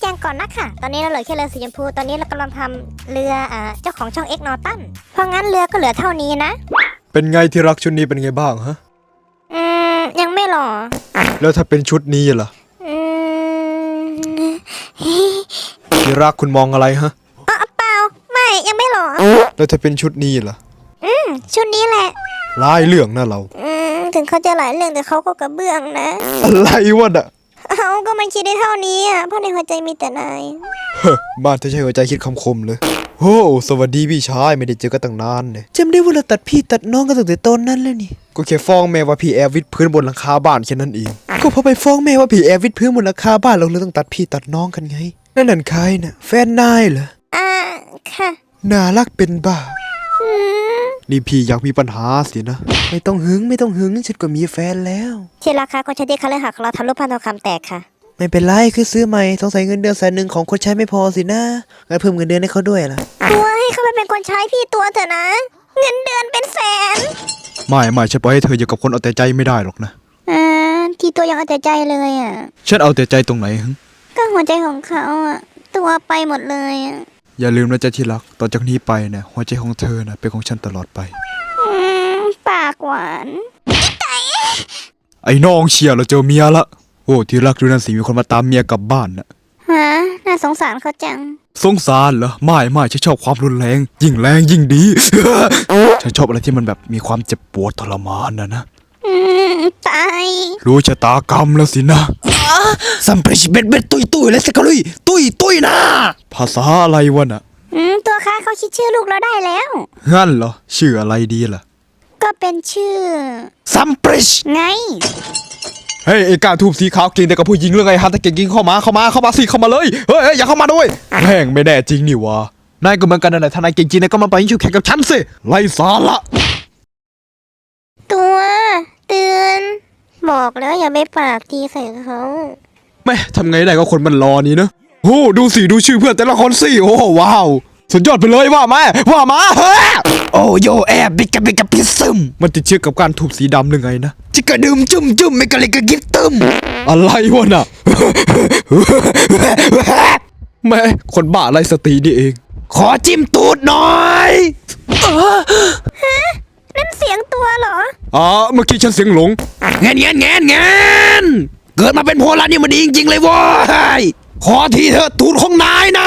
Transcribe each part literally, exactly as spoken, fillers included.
แจงก่อนนะค่ะตอนนี้เราเหลือแค่เรือสีชมพูตอนนี้เรากำลังทำเรืออ่าเจ้าของช่องเอ็กนอตันเพราะงั้นเรือก็เหลือเท่านี้นะเป็นไงที่รักชุดนี้เป็นไงบ้างฮะอืมยังไม่หรอแล้วถ้าเป็นชุดนี้ล่ะอืมที่รักคุณมองอะไรฮะอ๋อเปล่าไม่ยังไม่หรอแล้วถ้าเป็นชุดนี้ล่ะอืมชุดนี้แหละลายเรื่องนะเราอืมถึงเขาจะหลายเรื่องแต่เขาก็กระเบื้องนะอะไรวะน่ะเขาก็ไม่คิดได้เท่านี้อ่ะเพราะในหัวใจมีแต่นายเฮ้อบ้านเธอใช้หัวใจคิดคำคมเลยโอ้สวัสดีพี่ชายไม่ได้เจอกันตั้งนานเลยจำได้ว่าเราตัดพี่ตัดน้องกันตั้งแต่ตอนนั้นแล้วนี่ก็แค่ฟ้องแม่ว่าพี่แอบวิดพื้นบนหลังคาบ้านแค่นั้นเองก็พอไปฟ้องแม่ว่าพี่แอบวิดพื้นบนหลังคาบ้านเราเลยต้องตัดพี่ตัดน้องกันไงนั่นนั่นใครน่ะแฟนนายเหรออ่าค่ะน่ารักเป็นบ้าอืมนี่พี่อยากมีปัญหาสินะไม่ต้องหึงไม่ต้องหึงฉันก็มีแฟนแล้วที่ราคาคนใช้ที่คาเลหักเราทำรูปพันทองคำแตกค่ะไม่เป็นไรคือซื้อใหม่สงสัยเงินเดือนแสนหนึ่งของคนใช้ไม่พอสินะงั้นเพิ่มเงินเดือนให้เขาด้วยล่ะตัวให้เขาไปเป็นคนใช้พี่ตัวเถอะนะเงินเดือนเป็นแสนไม่ไม่ฉันปล่อยให้เธออยู่กับคนเอาแต่ใจไม่ได้หรอกนะอ่าที่ตัวยังเอาแต่ใจเลยอ่ะฉันเอาแต่ใจตรงไหนฮึก็หัวใจของเขาอ่ะตัวไปหมดเลยอ่ะอย่าลืมนะจ๊ะที่รักต่อจากนี้ไปเนี่ยหัวใจของเธอนะเป็นของฉันตลอดไปอืมปากหวานไอ้น้องเชียร์เราเจอเมียละโอ้ที่รักดูนั่นสิมีคนมาตามเมียกลับบ้านน่ะฮะน่าสงสารเขาจังสงสารเหรอไม่ไม่ฉันชอบความรุนแรงยิ่งแรงยิ่งดี ฉันชอบอะไรที่มันแบบมีความเจ็บปวดทรมานนะนะอืมตายรู้ชะตากรรมแล้วสินะสัมปริชเบ็ดเบ็ดตุยตุยเลยสิกะลุยตุยตุยนะภาษาอะไรวะน่ะอืมตัวค้าเขาคิดชื่อลูกเราได้แล้วงั้นเหรอชื่ออะไรดีล่ะก็เป็นชื่อสัมปริชไงเฮ้ยไอ้กาทูบสีขาวเก่งแต่กับผู้หญิงเรื่องไงฮันตะเก่งกิงเข้ามาเข้ามาเข้ามาสิเข้ามาเลยเฮ้ยอย่าเข้ามาด้วยแม่งไม่แน่จริงนี่วะนายก็เหมือนกันนั่นแหละถ้านายเก่งจริงนายก็มาไปยิงชิวแข่งกับฉันสิไล่สาระตัวเตือนบอกแล้วอย่าไปปากตีใส่เขาแม่ทำไงได้ก็คนมันรอนี่เนอะโอ้ดูสิดูชื่อเพื่อนแต่ละคนสิโอ้ว้าวสุดยอดไปเลยว่ามาว่ามาเฮ้ยโอ้โยแอบบิกกับบิกกับพิซึมมันติดเชื้อกับการถูกสีดำหรือไงนะจิกกระดื่มจุ่มจุ่มไม่กะเลยกะกิบตึมอะไรวะน่ะแม่คนบ้าไรสตินี่เองขอจิ้มตูดหน่อยฮะนั่นเสียงตัวเหรออ๋อเมื่อกี้ฉันเสียงหลงเงี้ยเงี้ยเงี้ยเงี้ยเกิดมาเป็นโพลันนี่มันดีจริงๆเลยว้ยขอทีเถอะตูดของนายนะ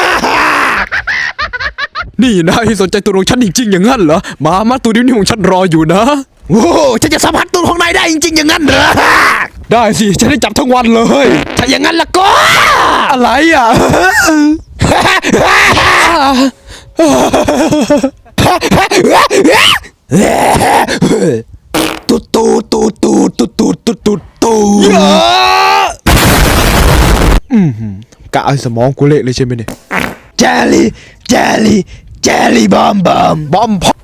นี่นายสนใจตูดของฉันจริงๆอย่างนั้นเหรอมามาตูดนี้ของฉันรออยู่นะโอ้ฉันจะสัมผัสตูดของนายได้จริงๆอย่างนั้นเหรอได้สิฉันได้จับทั้งวันเลยถ้าอย่างนั้นละก็อะไรอ่ะตูดตูดตูดตูดตูดตูดตูดตูดตูดอืมกะไอ้สมองกูเละเลยใช่ไหมเนี่ยเจลลี่เจลลี่เจลลี่บอมบอมบอมพ